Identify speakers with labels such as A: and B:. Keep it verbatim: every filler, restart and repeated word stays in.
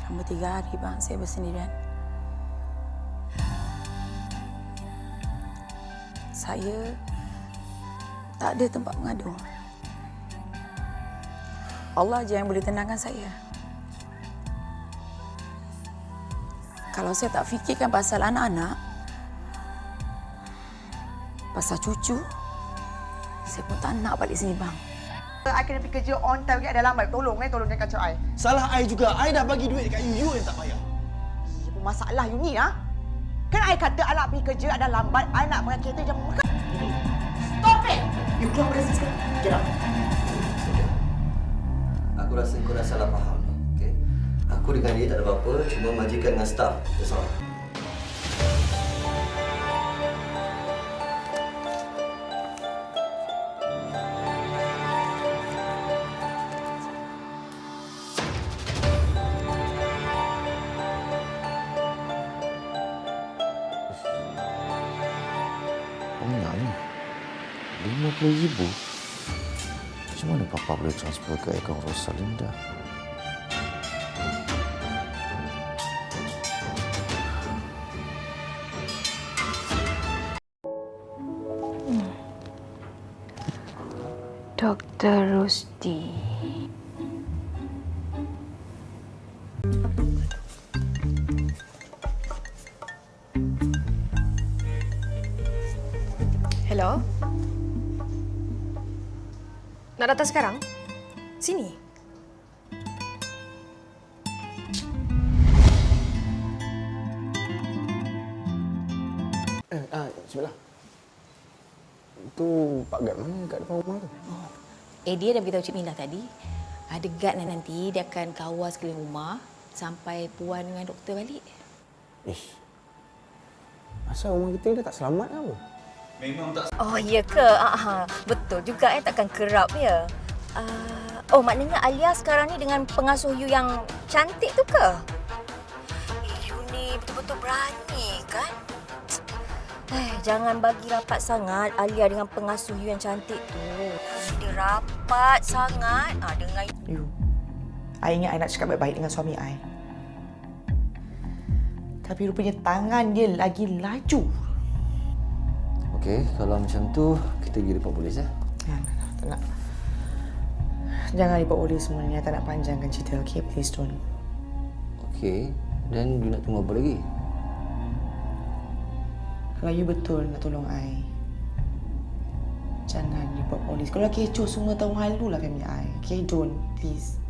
A: Selama tiga hari, bang, saya bersendirian. Saya tak ada tempat mengadu. Allah je yang boleh tenangkan saya. Kalau saya tak fikirkan pasal anak-anak, pasal cucu, saya pun tak nak balik sini, bang.
B: I kena pergi kerja on time, ada lambat. Tolong eh, tolong jangan kacau I.
C: Salah I juga. I dah bagi duit dekat you, you yang tak bayar.
B: Apa masalah you ni, ha? Kan I kata I nak pergi kerja, ada lambat. I nak pakai kereta jam makan. Stop it! You keluar dari sini sekarang. Get out.
D: Aku rasa kau dah salah faham ni, okey? Aku dengan dia tak ada apa-apa, cuma majikan dengan staff. That's all.
E: Banyak ni. lima puluh ribu. Macam mana Papa boleh transfer ke akaun Rosalinda?
F: Hmm. Doktor Rusdi.
G: Hello? Nak datang sekarang? Sini.
C: Eh, ah, bismillah. Tu Pak Gad mana kat depan rumah tu?
A: Oh. Eh, dia dah beritahu Cik Mila tadi. Ada guard nanti, dia akan kawal sekeliling rumah sampai Puan dengan doktor balik.
C: Ish. Asal rumah kita dah tak selamat ke apa?
D: Memang tak.
F: Oh, ya ke? Aha. Betul juga eh, takkan kerap ya. Uh, oh, maknanya Alia sekarang ni dengan pengasuh you yang cantik tu ke? Eh, you ni betul-betul berani kan? Eh, jangan bagi rapat sangat Alia dengan pengasuh you yang cantik tu. Dia rapat sangat ah, dengan
B: You. I ingat I nak cakap baik-baik dengan suami I. Tapi rupanya tangan dia lagi laju.
E: Okey, kalau macam tu, kita pergi report polis, ya?
B: Ya, tak nak. Jangan report polis semuanya. Tak nak panjangkan cerita, okay? Please don't.
E: Okey, dan you nak tunggu apa lagi?
B: Kalau you betul nak tolong I, jangan report polis. Kalau kecoh semua tahu hal tu lah family I. Okay, don't. Please.